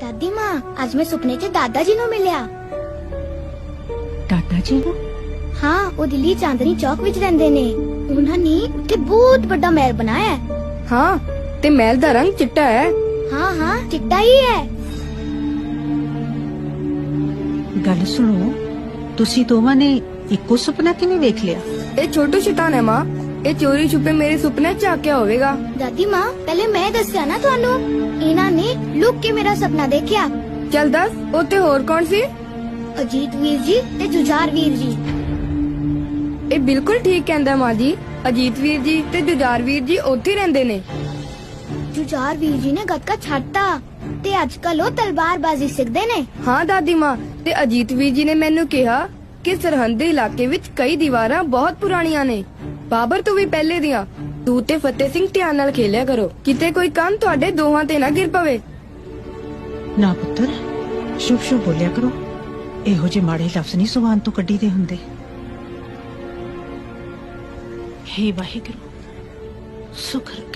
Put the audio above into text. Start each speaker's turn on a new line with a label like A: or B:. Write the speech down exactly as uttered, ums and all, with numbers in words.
A: दादी माँ आज मैं सुपने च दादा जी नु मिलिया।
B: दादा जी नु?
A: हाँ, वो दिल्ली चांदनी चौक विच रहिंदे ने। उन्हां ने उत्थे बहुत बड़ा महल बनाया है।
C: हाँ, ते महल दा रंग चिट्टा है।
A: हाँ हाँ चिट्टा ही है।
B: गल सुनो, तुसी दोवां ने इक्को सुपना किवें वेख लिया?
C: ए छोटू शैतान है माँ, ए चोरी छुपे मेरे सुपने च आके होवेगा।
A: दादी माँ पहले मैं दस्या ना थानू, इन्हां ने लुक के मेरा सपना देखिया।
C: चल दस, ओते होर कौन सी?
A: अजीत वीर जी ते जुझार वीर जी।
C: ए बिल्कुल ठीक कहंदा माँ जी, अजीत वीर जी ते जुझार वीर जी ओथे रहंदे ने।
A: जुझार वीर जी ने गतका छाड़ता ते अजकल वो तलवारबाजी सिखदे ने।
C: हाँ दादी माँ, ते अजीत वीर जी ने मैनू कहा कि सरहद दे इलाके विच कई दीवारां बहुत पुरानियां ने, बाबर तो भी पहले दियां। तू ते फतेह सिंह ध्यान नाल खेलिया करो, किते कोई काम तुहाडे दोहां ते ना गिर पवे।
B: ना पुत्तर, शुभ शुभ बोलिया करो, एहो जे माड़े लफ्ज नहीं जुबान तो कड्डी दे हुंदे। हे वाहिगुरू, शुक्र